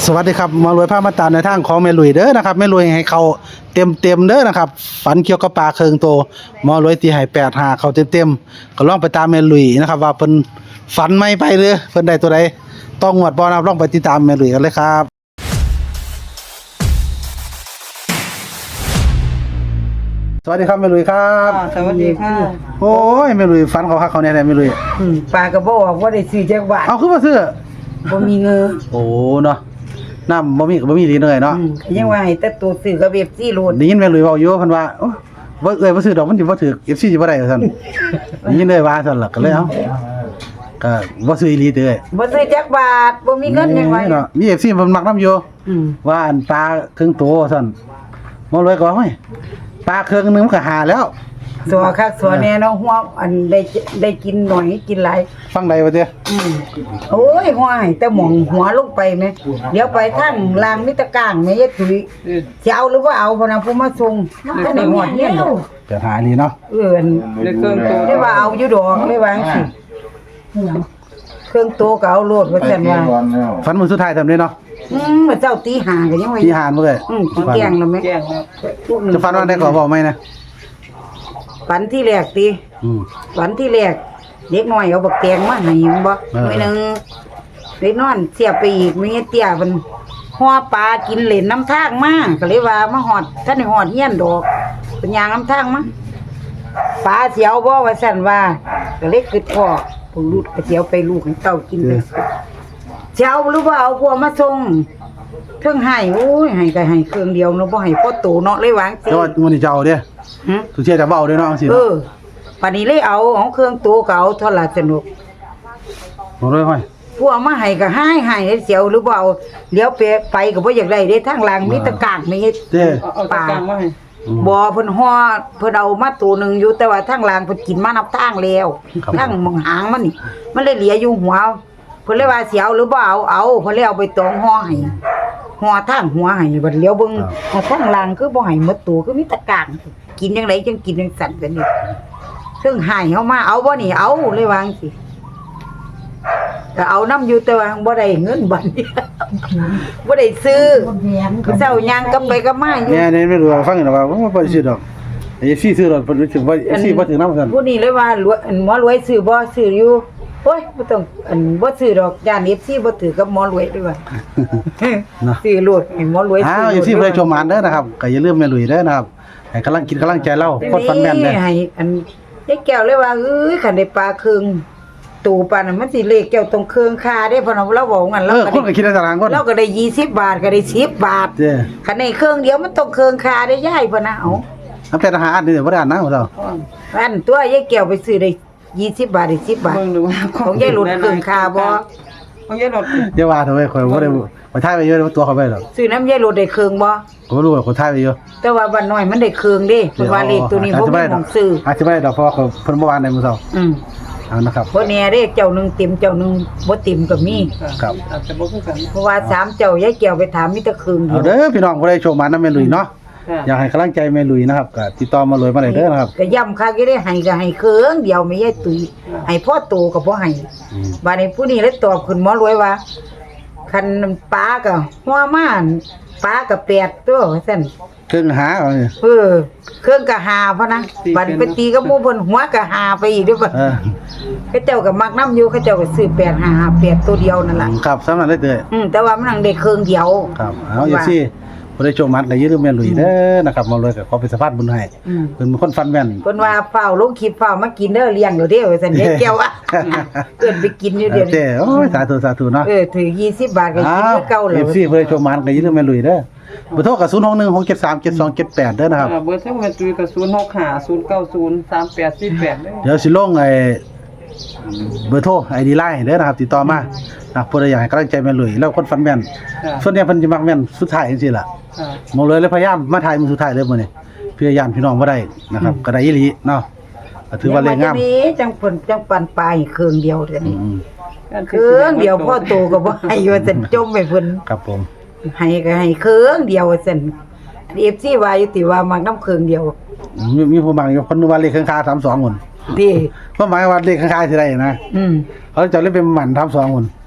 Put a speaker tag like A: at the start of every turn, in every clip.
A: สวัสดีครับมารวยผ้ามาตาในทางของแม่ลุยเด้อนะครับแม่ลุยให้เขาเต็มเด้อนะครับฝันเกี่ยวกับปลาเคิงโตมารวยตีให้85เขาเต็มก็ลองไปตามแม่ลุยนะครับว่าเพิ่นฝันไม่ไปหรือเพิ่นได้ตัวใดต้องงวดบ่นะครับลองไปติดตามแม่ลุยกันเลยครับสวัสดีครับแม่ลุยครับ
B: สวัสดีค่ะ
A: โอ้ยแม่ลุยฝันเขาคักเขาแน่แม่ลุย
B: ปลากระบอกว่าได้ซื้อจักบาท
A: เอาคือบ่ซื้อ
B: บ่มีเงิน
A: โอ้เนาะน้ำบ่มีก็บ่มีดีเลยเนาะ
B: ยังว่าให้แต่ตัวซื้อกับเว็บซี่โลด
A: ได้ยินแม่ลุยเว้าอยู่เพิ่นว่าโอ้บ่บ่ซื้อดอกมันสิบ่ถูก FC สิบ่ได้ว่าซั่นได้ยินเลยว่าซั่นล่ะก็เลยเอ้าก็บ่ซื้ออีหลีเด้อ
B: บ่ซื้อจักบาทบ่มีเงินยังว่า
A: เนาะมี FC เพิ่นมักนำอยู่ ว่าอันปลาครึ่งโตซั่นบ่รวยก็ว่าโอ้ยปลาครึ่งนึงมันก็หาแล้ว
B: สัวคักสัวแน่เนาะหัวอันได้กินหน่อยกินหลาย
A: ฟังได้บ่เด้อ
B: โอ้ยหัวให้แต่หม่องหัวลงไปแม่เดี๋ยวไปทางลางมิตรกลางแม่ยายตุ้ยสิเอาหรือว่าเอาพนะผู้มาส่งก็ได้หอดเฮียนดอก
A: จะหานี่เนาะ
B: ได้เครื่องโตได้ว่าเอาอยู่ดอกได้ว่าจังซี่เครื่องโตก็เอาโลดว่าซั่นว่า
A: ฝันมื้อสุดท้ายทำได้เนาะ
B: มาเจ้าตีหาก็ยังว่า
A: ที่หานบ่เอ้ย
B: กินแกงแล้วไหม
A: จะฝันว่าได้ก็บอกไหมนะ
B: ฝันที่แรกตี ฝันที่แรกเด็กน้อยเอาบักแตงมาให้มันบ่มื้อนึงเด็กนอนเสียไปอีกมีเตี้ยเพิ่นห่อปลากินเล่นน้ำทางมาก็เลยว่ามาฮอดท่านได้ฮอดเฮียนดอกเพิ่นย่างน้ำทางมาปลาเสียวบ่ว่าซั่นว่าก็เลยคิดพ่อผู้ลูกก็เสียวไปลูกให้เต้ากินไปเจ้าหรือว่าเอาพวกมาส่งเพิ่งให้โอ้ยให้ก็ให้เครื่องเดียวเนาะบ่ให้พอโตเนาะเลยวางสิ
A: แต่ว่ามื้อนี้จะเอาเด้อทุเชื่อจะเว้าเด้อเนาะจังซี่
B: เอ
A: เนาะ
B: อปานนี้เลยเอาของเครื่องโตก็เอาเท่าละสนุก
A: บ่รวยห้อย
B: พวกมาให้ก็ให้เสียวหรือเปล่าเดี๋ยวไปก็บ่อยากได้เด้ทางหลังมีตะกร้างมี
A: เด้อ
B: ปลาบ่เพิ่นฮ้อเพิ่นเอามาตัวหนึงอยู่แต่ว่าทางหลังเพิ่นกินมานับทางแล้วทางมองหางมันนี่มันเลยเหลืออยู่หัวเพิ่นเลยว่าเสียวหรือบ่เอาเพิ่นเลยเอาไปตองฮ้อให้ฮ้อทางหัวให้บัดเลี้ยวเบิ่งทางหลังคือบ่ให้หมดตัวคือมีตะกร้างกินจังไดจังกินจังสั่นกันนี่ซึ่งให้เฮามาเอาบ่นี่เอาเลยวาจังสิก็เอาน้ำอยู่แต่ว่าบ่ได้เงินบัดนี้ บ่ได้ซื้อเจ้าย่างกลับไปกลับมาอยู่
A: เนี่ยไม่รู้ว่าฟังอยู่ว่าบ่ได้ซื้อดอกไอ้ซี่ซื้อดอกเพิ่นรู้สึกว่าซี่บ่ถึงนำซั่น
B: ผู้นี้เลยว่ารวยหมอรวยซื้อบ่ซื้ออยู่โอ้ยบ่ต้องบ่ซื้อดอกย่าน FC บ่ถือกับหมอรวยด้วยว่า
A: เนาะ
B: ซื้อโลดให้หมอรวย
A: อ้าวอยู่ที่เพิ่นชมมานเด้อนะครับก็อย่าลืมแม่ลุยเด้อนะครับให้กำลังใจเราคนฟันแม่นเด้อ
B: ให้อันยายแก้วเลยว่าเอ้ยคันได้ปลาครึ่งตู่ปานนั้นมันสิเลขแก้วตรงเครื่องคาได้เพราะเราบอกงั้น
A: คนก็คิดในตารางคน
B: เราก็ได้20 บาทก็ได้10 บาท
A: เด้อ
B: คันในเครื่องเดียวมันต้องเครื่องคาได้ย่ายพุ่นนะเอา
A: มันเป็นอาหารนี่บ่ได้อ่านนะเรา
B: อันตัวยายแก้วไปซื้อได้20 บาทได้10 บาทของยายหลุดเครื่องคาบ่
C: ของยายหลด
A: อย่าว่าเถอะเว้ยข่อยบ่ได้ข่อยถ่ายไปเยอะตัวเขาไปหรอก
B: ซื้อน้ำยายหลุดได้เครื่องบ่
A: ผมรู้ว่าข่อยถ่ายไปเยอะ
B: แต่ว่าบ้านน้อยมันได้เครื่องเด้เพิ่นว่าเลขตัวนี้บ่มีของซื้อ
A: อาจจะไม่ได้ดอกเพราะว่าเพิ่นบ่วางในมื้อเช้าเอานะครับ
B: บ่แน่เด้เจ้าหนึงเต็มเจ้าหนึงบ่เต็มก็มี
A: ครับ
C: อาจจะบ่คือกัน
B: เพราะว่า3เจ้ายายแก้วไปถามมีแต่เครื่องเดี
A: เอา
B: ยว
A: เด้อพี่น้องผู้ใดโชคมานํแม่ลุยเนาะ
C: ค่ะ
A: อยากให้กำลังใจแม่ลุยนะครับก็ติดต่อมาเลยมาได้เด้อนะครับ
B: ก็ย้ำคักอยู่ได้ให้ก็ให้เครื่องเดียวไม่ยายตุ้ยให้พ่อโตก็บ่ให้บัดนี้ผู้นี้เลยตอบขึ้นหมอรวยว่าคันปลาก็หัวม่านปลาก็8ตัวว่าซั่น
A: เครื่องหาเอานี่
B: เครื่องก็หาพะนะบัดไปตีกับหมู่เพิ่นหัวก็หาไปอีกเด้อบัด เขาเจ้าก็มักน้ำอยู่เขาเจ้าก็ซื้อ8558ตัวเดียวนั่นล่ะ
A: ครับสำนักได้เด้อ
B: แต่ว่ามันหังได้เครื่องเดียว
A: ครับเอาอย่าซี่ผู้ใดโชคมาก็อย่าลืมแม่ลุยเด้อนะครับมาเลยก็ขอเป็นสะพานบุญให้เพิ่นเป็นคนฟันแม่น
B: เพิ่นว่าเฝ้าลงคลิปเฝ้ามากินเด้อเลี้ยงเด้อเด้อว่าซั่นเด้แก้วอ่ะเกินไปกินอยู่เดี๋ยว
A: เด้
B: นี้
A: โอ้ยสาธุเนาะ
B: ถือ20 บาทก็กินคือเก่าแล้ว
A: FC ผู้ใดโชคมาก็อย่าลืมแม่ลุยเด้อเบอร์โทรก็0616737278เด้อนะครับ
C: เบอร์โทรแม่ตุ้ยก็065 090 3848เด้อ
A: เดี๋ยวสิลงไอ้เบอร์โทร ID Line เด้อนะครับติดต่อมานะผู้ใดอยากให้กำลังใจแม่ลุยแล้วคนฟันแม่น
C: ค่ะ
A: ส่วนใหญ่เพิ่นสิมักแม่นสุดท้ายจังซี่ล่ะ
C: ค่ะ
A: หมองเลยพยายามมาถ่ายมื้อสุดท้ายเลยมื้อนี้เพื่อญาติพี่น้องบ่ได้นะครับก็ได้อีหลีเนาะก็ถือว่าเลขงาม
B: นี้จังเพิ่นจังปันปลายเครื่องเดียวเท่านี้
A: อืม
B: เครื่องเดียวพ่อโตก็บ่ให้ว่าซั่นจมไปเพิ่น
A: ครับผม
B: ให้ก็ให้เครื่องเดียวว่าซั่น FC ว่าอยู่ติว่ามักน้ำเครื่องเดียว
A: มีผู้บางอยู่คนว่าเลขข้างๆ32คน
B: ดิ
A: เพราะหมายว่าเลขข้างๆสิได้นะเขาจะเล่นเป็นหมัน32คน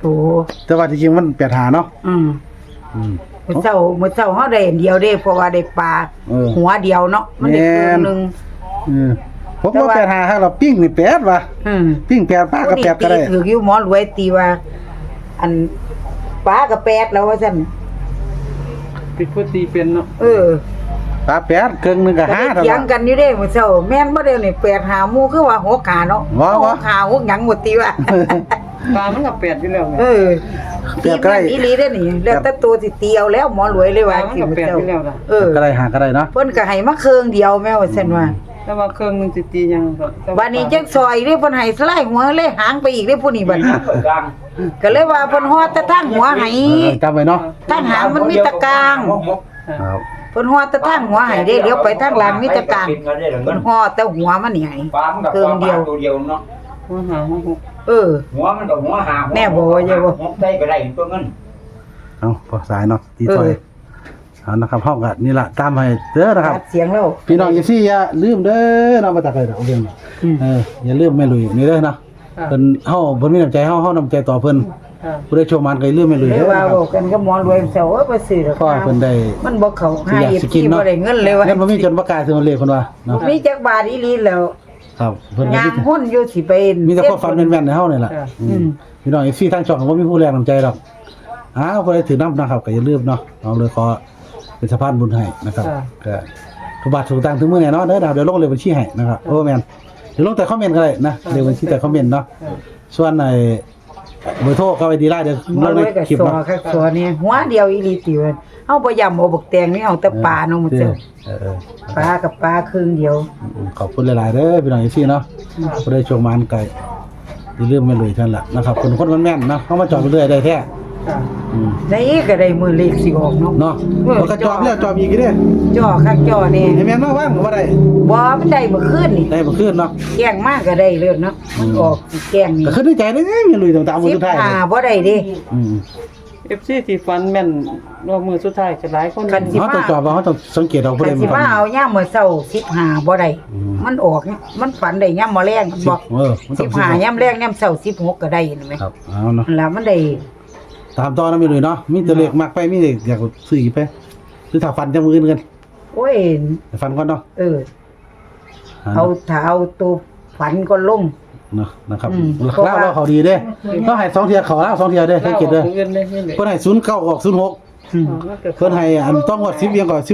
B: โอ้
A: แต่ว่าจริงๆมัน85เนาะ
B: อืม
A: อืม
B: มื้อเช้าเฮาได้อันเดียวเด้เพราะว่าได้ปลา
A: เออ
B: หัวเดียวเนาะมันได้ครึ่งหนึง
A: ผมว่า85ครับเราปิ้งนี่8ว่ะ
B: อืม
A: ปิ้ง8ปลาก็8ก็ได้
B: ถืออยู่หมอรวยตีว่า อันปลาก็8แล้วว่าซั่น
C: ปิดพุทธีเป็นเนาะ
B: เออ
A: ปลา8ครึ่งหนึงก็
B: ก็ได้
A: 5เท่า
B: เถียง
A: นั้น
B: กันอยู่เด้มื้อเช้าแม่นบ่เด้นี่8หาหมู่คือว่า6ขาเนาะ
A: ว้าว
B: 6ขา6หยังบ่ตีว่า
C: ปลามันก็แปดอยู่แล้วไง
B: เออ
A: แปดก็ได้
B: อีหลีเด้อนี่แล้วแต่ตัวสิตีเอาแล้วหมอรวยเลย
C: ปลา
B: ว่า
C: มัน
B: สิ
C: ก็
B: มื้อ
C: แปด
B: เช้า
C: อยู่แล้วล่ะ
B: เออ
A: ก็ได้หาก็ได้เนาะ
B: เพิ่นก็ให้มาเครื่องเดียวแม่ว่าซั่นว่า
C: แต่ว่าเครื่องนึงสิตียังก็แต่
B: บัดนี้จังซอยเด้เพิ่นให้สไลด์หัวเลยหางไปอีกเด้ผู้นี้บัดนี้ก็เลยว่าเพิ่นฮอดแต่ทางหัวให้
A: จำไว้เนาะ
B: ทางหางมันมีตะกลาง
A: ครับ
B: เพิ่นฮอดแต่ทางหัวให้เด้เดี๋ยวไปทางหลังมีตะกลางเพิ่นฮอดแต่หัวมันนี่ให้
D: ปลามันกับ
B: เครื่องเดียว
D: ตัวเดียวเนาะ
C: หัวหางหก
B: เออ
D: หัวมันกับหัวหาง
B: แน่บ่ว่าอย่าบ่
D: หัวได้ก็ได้ตัวเงิน
A: เอาพอสายเนาะตีซอยเอานะครับห้องก็นี่ล่ะตามให้เด้อนะครับ
B: ตัดเสียงแล้ว
A: พี่น้องอย่าอย่าลืมเด้อเนาะมาตักเลยดอกเอาเรื่อง
B: อืม
A: อย่าลืมแม่ลุยนี่เด้อเนาะเพิ่นเฮาเพิ่นมีน้ำใจเฮาน้ำใจต่อเพิ่น
C: ค่ะ
A: ผู้ใดโชว์มันก็อย่าลืมแม่ลุย
B: เลย
A: เด้อ
B: ว่า
A: นะค
B: บ
A: รั
B: อบ กกันก็หมอรวยเซาว่าบ่ซื้อดอก
A: ก็เพิ่นได้
B: มันบ่เข้าให้
A: อยากสิกิน
B: ที่
A: เนาะ
B: บ่ได้เงินเลยว่า
A: เงินบ่มีจนบ่กล้าซื้อมาเลขเพิ่นว่าเนาะ
B: มีจักบาทอีหลีแล้ว
A: ครับเพิ่นก็
B: ยาง
A: มี
B: หุ้นอยู่สิไป
A: มีแต่ความฝันแม่นๆในเฮานี่แหละพี่น้องFCทางช่องก็บ่มีผู้แรงน้ำใจดอกอ้าวผู้ใดถือน้ำนะครับก็อย่าลืมเนาะเอาเลยขอเป็นสะพานบุญให้นะครับก็ทุกบาททุกตังค์ถึงมื้อแน่เนาะเด้อเดี๋ยวลงเลขบัญชีให้นะครับโอ้แม่นเดี๋ยวลงแต่คอมเมนต์ก็ได้นะเลขบัญชีแต่คอมเมนต์เนาะส่วนเบอร์โทรก็ไว้ดีไลน์เดี๋ยว
B: หมอ
A: ลง
B: ร
A: ใน
B: วยก็
A: คลิป
B: สอ
A: เนาะ
B: คักสอนี่หัวเดียวอีหลีติว่าเฮาบ่ย่ำเอาบักแตงนี่เอาแต่ปลาเนาะมื้อเจ้าปลากับปลาครึ่งเดียว
A: ขอบคุณหลายๆเด้อพี่น้องFCเนาะผู้ใดโชคมันไก่อย่าลืมไม่เลยท่านล่ะนะครับคนแม่นๆเนาะเฮามาจอดไปเรื่อยได้แท้
C: ค่ะ
B: ในก็ได้มือเลขสิออกเนาะ
A: เนาะมันก็จอบแล้วจอบอีกเด้อ
B: จ่อคักจ่อนี่
A: ให้แม่นมาว่างก็บ่ได้
B: บ่มันได้เมื่อคืนนี่
A: ได้บ่คืนเนาะ
B: แกล้งมากก็ได้เลยเนาะมันออกสิแกล้งนี่
A: ก็คือในใจเด้อย่าลุยตามมือสุดท้าย
B: 15บ่ได้เด้
A: อืม
C: FC ที่ฟันแม่นรอบมือสุดท้ายก็หลายคน
B: คันสิ
A: เฮาต้องจอบว่าเฮาต้องสังเกตเอาผู้ใด
B: คัน
A: มั
B: สิ
A: น
B: มาเอาย่ามมื้อเช้า15บ่ได้มันออกมันฝันได้ย่ามมื้อแรงบอก
A: มันต้อง
B: 15ย่ามแรงย่ามเช้า16ก็ได้เห็นไหม
A: ครับเอาเนาะ
B: นั่นล่ะมันได้
A: ตามต่อนะไม่เลยเนาะมีแต่เลขมากไปมีเลขอยากซื้ออีกไปหรือถ้าฟันจะมืออื่นกัน
B: โอ้ย
A: ไปฟันก่อนเนาะ
B: เออเอาถ้าเอาตัวฝันก็ลง
A: เนาะนะครับ
B: อืม
A: เล่าเขาดีเด้ต้องให้2เที่ยเขาเล่า2เที่ยเด้สังเกตเด้อ
C: เงินได้เงินเลย
A: เพิ่นให้09ออก06เพิ่นให้อันต้องงวด10เอียงก่อน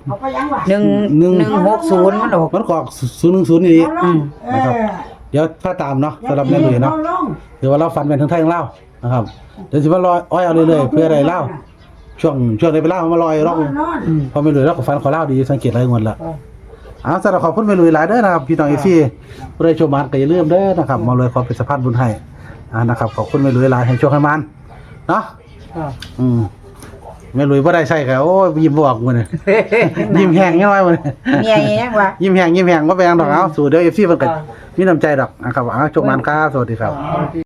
A: 16
B: 160มันออก
A: มันก็ออก010นี่
B: อืม
A: นะครับเดี๋ยวถ้าตามเนาะสำหรับแม่ลุยเนาะถือว่าเราฟันเป็นทั้งไทยทั้งลาวนะครับเดี๋ยวสิมาลอยอ้อยเอาเรื่อยๆเพื่อได้ลาวช่วงได้ไปลาวมาลอยร่องพอแม่ลุยแล้วก็ฟันขอลาวดีสังเกตหลายงวดละเอาสำหรับขอบคุณแม่ลุยหลายเด้อนะครับพี่น้องFCผู้ใดชมมันก็อย่าลืมเด้อนะครับมาเลยขอเป็นสะพานบุญให้นะครับขอบคุณแม่ลุยหลายให้โชคให้มันเนาะ
C: ค่ะ
A: แม่ลุยบ่ได้ใส่ก็โอ้ยยิ้มบ่ออกมื้อนี้ยิ้มแห้งยังไงมื้อนี้
B: เมียยังวะ
A: ยิ้มแห้งบ่แปลงดอกเอาสู่เดี๋ยว FC เพิ่นก็มีน้ำใจดอกนะครับเอาโชคมันครับสวัสดีครับ